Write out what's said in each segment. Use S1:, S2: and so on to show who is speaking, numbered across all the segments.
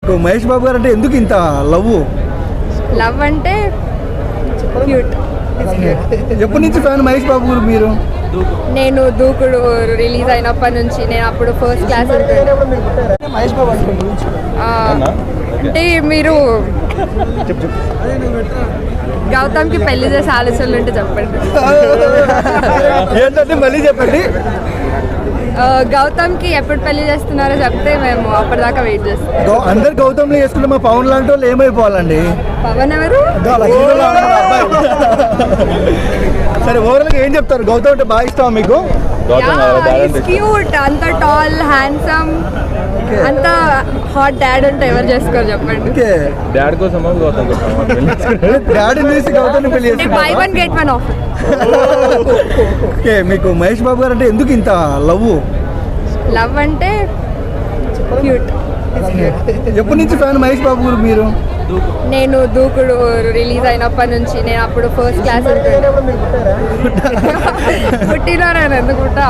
S1: మహేష్ బాబు గారు అంటే ఎందుకు ఇంత లవ్
S2: అంటే క్యూట్.
S1: ఎప్పటి నుంచి ఫ్యాన్ మహేష్ బాబు గారు మీరు?
S2: నేను దూకుడు రిలీజ్ అయినప్పటి నుంచి, నేను అప్పుడు ఫస్ట్ క్లాస్
S1: మహేష్ బాబు
S2: అంటే మీరు గౌతమ్కి పెళ్లి చేసే ఆలోచనలు ఉంటే చెప్పండి.
S1: ఏంటంటే మళ్ళీ చెప్పండి.
S2: గౌతమ్కి ఎప్పుడు పెళ్లి చేస్తున్నారో చెప్తే మేము అప్పటిదాకా వెయిట్ చేస్తాం.
S1: అందరు గౌతమ్లో చేసుకుంటే మా పవన్ లాంటి వాళ్ళు ఏమైపోవాలండి?
S2: పవన్ ఎవరు?
S1: సరే ఓవరాల్ గా ఏం చెప్తారు? గౌతమ్ అంటే బాగా ఇష్టం మీకు?
S2: క్యూట్, అంత టాల్, హ్యాండ్సమ్, అంత హాట్ డాడ్ అంటే ఎవరు చేసుకోరు చెప్పండి.
S3: డాడ్ కోసం
S1: డాడీ చూసి గౌతమ్ పెళ్లి
S2: buy one get one offer.
S1: Okay, మీకు మహేష్ బాబు గారు అంటే ఎందుకు ఇంత లవ్
S2: అంటే క్యూట్.
S1: ఎప్పటి నుంచి ఫ్యాన్ మహేష్ బాబు గారు మీరు?
S2: నేను దూకుడు రిలీజ్ అయినప్పటి నుంచి, నేను అప్పుడు ఫస్ట్ క్లాస్ పుట్టినారు ఎందుకుంటా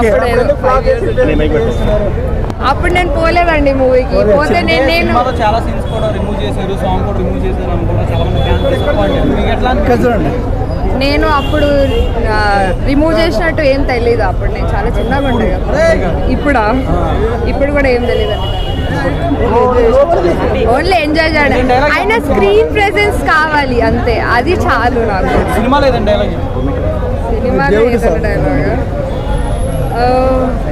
S2: అప్పుడు నేను పోలేదండి మూవీకి. పోతే నేను
S4: చాలా సీన్స్ కూడా రిమూవ్ చేశారు, సాంగ్ కూడా రిమూవ్ చేశారు అని కూడా చాలా మంది.
S2: నేను అప్పుడు రిమూవ్ చేసినట్టు ఏం తెలియదు. అప్పుడు నేను చాలా చిన్నగా ఉండే కదా. ఇప్పుడు కూడా ఏం తెలియదు అండి. ఓన్లీ ఎంజాయ్ చేయడం, ఆయన స్క్రీన్ ప్రెజెన్స్ కావాలి అంతే, అది చాలు నాకు.
S4: సినిమా లేదండి డైలాగ్.
S2: Cinema dialogue